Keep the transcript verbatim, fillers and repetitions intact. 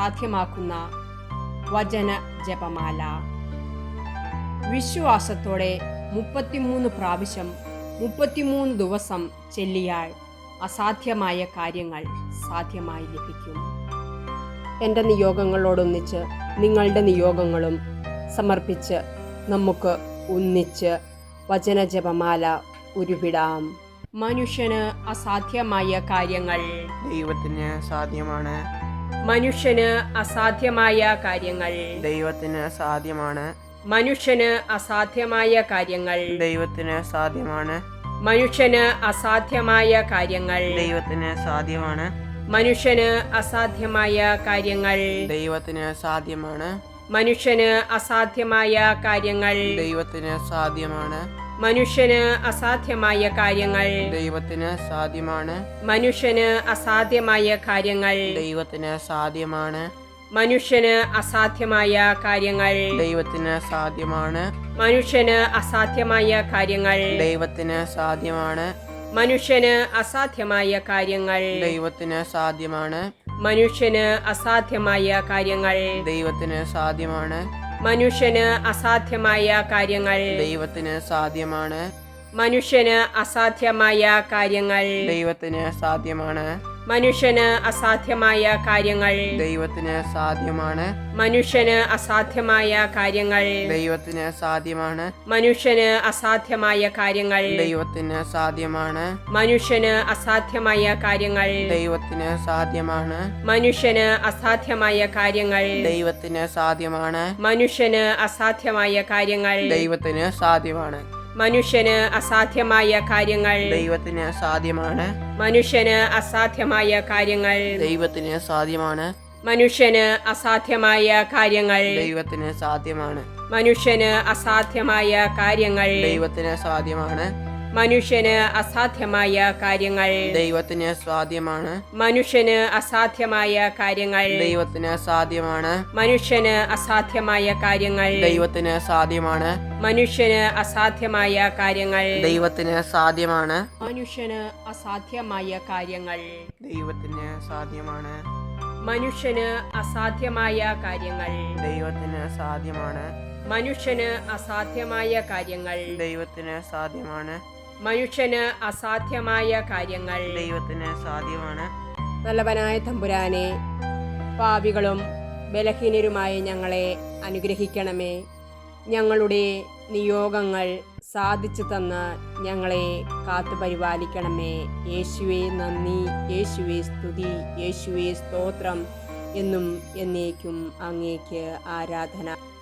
സാധ്യമാക്കുന്ന വചന ജപമാല. വിശ്വാസത്തോടെ മുപ്പത്തിമൂന്ന് പ്രാവശ്യം മുപ്പത്തിമൂന്ന് ദിവസം ചൊല്ലിയാൽ അസാധ്യമായ കാര്യങ്ങൾ സാധ്യമായി ലഭിക്കും. എൻ്റെ നിയോഗങ്ങളോടൊന്നിച്ച് നിങ്ങളുടെ നിയോഗങ്ങളും സമർപ്പിച്ച് നമുക്ക് ഒന്നിച്ച് വചനജപമാല ഉരുവിടാം. മനുഷ്യന് അസാധ്യമായ കാര്യങ്ങൾ ദൈവത്തിന് സാധ്യമാണ്. മനുഷ്യന് അസാധ്യമായ കാര്യങ്ങൾ ദൈവത്തിന് സാധ്യമാണ്. മനുഷ്യന് അസാധ്യമായ കാര്യങ്ങൾ ദൈവത്തിന് സാധ്യമാണ്. മനുഷ്യന് അസാധ്യമായ കാര്യങ്ങൾ ദൈവത്തിന് സാധ്യമാണ്. മനുഷ്യന് അസാധ്യമായ കാര്യങ്ങൾ ദൈവത്തിന് സാധ്യമാണ്. മനുഷ്യന് അസാധ്യമായ കാര്യങ്ങൾ ദൈവത്തിന് സാധ്യമാണ്. മനുഷ്യന് അസാധ്യമായ കാര്യങ്ങൾ ദൈവത്തിന് സാധ്യമാണ്. മനുഷ്യന് അസാധ്യമായ കാര്യങ്ങൾ ദൈവത്തിന് സാധ്യമാണ്. മനുഷ്യന് അസാധ്യമായ കാര്യങ്ങൾ ദൈവത്തിന് സാധ്യമാണ്. മനുഷ്യന് അസാധ്യമായ കാര്യങ്ങൾ ദൈവത്തിന് സാധ്യമാണ്. മനുഷ്യന് അസാധ്യമായ കാര്യങ്ങൾ ദൈവത്തിന് സാധ്യമാണ്. മനുഷ്യന് അസാധ്യമായ കാര്യങ്ങൾ ദൈവത്തിന് സാധ്യമാണ്. മനുഷ്യന് അസാധ്യമായ കാര്യങ്ങൾ ദൈവത്തിന് സാധ്യമാണ്. മനുഷ്യന് അസാധ്യമായ കാര്യങ്ങൾ ദൈവത്തിന് സാധ്യമാണ്. മനുഷ്യന് അസാധ്യമായ കാര്യങ്ങൾ ദൈവത്തിന് സാധ്യമാണ്. മനുഷ്യന് അസാധ്യമായ കാര്യങ്ങൾ ദൈവത്തിന് സാധ്യമാണ്. മനുഷ്യന് അസാധ്യമായ കാര്യങ്ങൾ ദൈവത്തിന് സാധ്യമാണ്. മനുഷ്യന് അസാധ്യമായ കാര്യങ്ങൾ ദൈവത്തിന് സാധ്യമാണ്. മനുഷ്യന് അസാധ്യമായ കാര്യങ്ങൾ ദൈവത്തിന് സാധ്യമാണ്. മനുഷ്യന് അസാധ്യമായ കാര്യങ്ങൾ ദൈവത്തിന് സാധ്യമാണ്. മനുഷ്യന് അസാധ്യമായ കാര്യങ്ങൾ ദൈവത്തിന് സാധ്യമാണ്. മനുഷ്യന് അസാധ്യമായ കാര്യങ്ങൾ ദൈവത്തിന് സാധ്യമാണ്. മനുഷ്യന് അസാധ്യമായ കാര്യങ്ങൾ ദൈവത്തിന് സാധ്യമാണ്. മനുഷ്യന് അസാധ്യമായ കാര്യങ്ങൾ ദൈവത്തിന് സാധ്യമാണ്. മനുഷ്യന് അസാധ്യമായ കാര്യങ്ങൾ ദൈവത്തിന് സാധ്യമാണ്. മനുഷ്യന് അസാധ്യമായ കാര്യങ്ങൾ ദൈവത്തിന് സാധ്യമാണ്. മനുഷ്യന് അസാധ്യമായ കാര്യങ്ങൾ ദൈവത്തിന് സാധ്യമാണ്. മനുഷ്യന് അസാധ്യമായ കാര്യങ്ങൾ ദൈവത്തിന് സാധ്യമാണ്. മനുഷ്യന് അസാധ്യമായ കാര്യങ്ങൾ ദൈവത്തിന് സാധ്യമാണ്. മനുഷ്യന് അസാധ്യമായ കാര്യങ്ങൾ ദൈവത്തിന് സാധ്യമാണ്. മനുഷ്യന് അസാധ്യമായ കാര്യങ്ങൾ ദൈവത്തിന് സാധ്യമാണ്. മനുഷ്യന് അസാധ്യമായ കാര്യങ്ങൾ ദൈവത്തിന് സാധ്യമാണ്. നല്ലവനായ തമ്പുരാനെ, പാപികളും ബലഹീനരുമായ ഞങ്ങളെ അനുഗ്രഹിക്കണമേ. ഞങ്ങളുടെ നിയോഗങ്ങൾ സാധിച്ചു തന്ന് ഞങ്ങളെ കാത്തുപരിപാലിക്കണമേ. യേശുവേ നന്ദി, യേശുവേ സ്തുതി, യേശുവേ സ്തോത്രം. എന്നും എന്നേക്കും അങ്ങേക്ക് ആരാധന.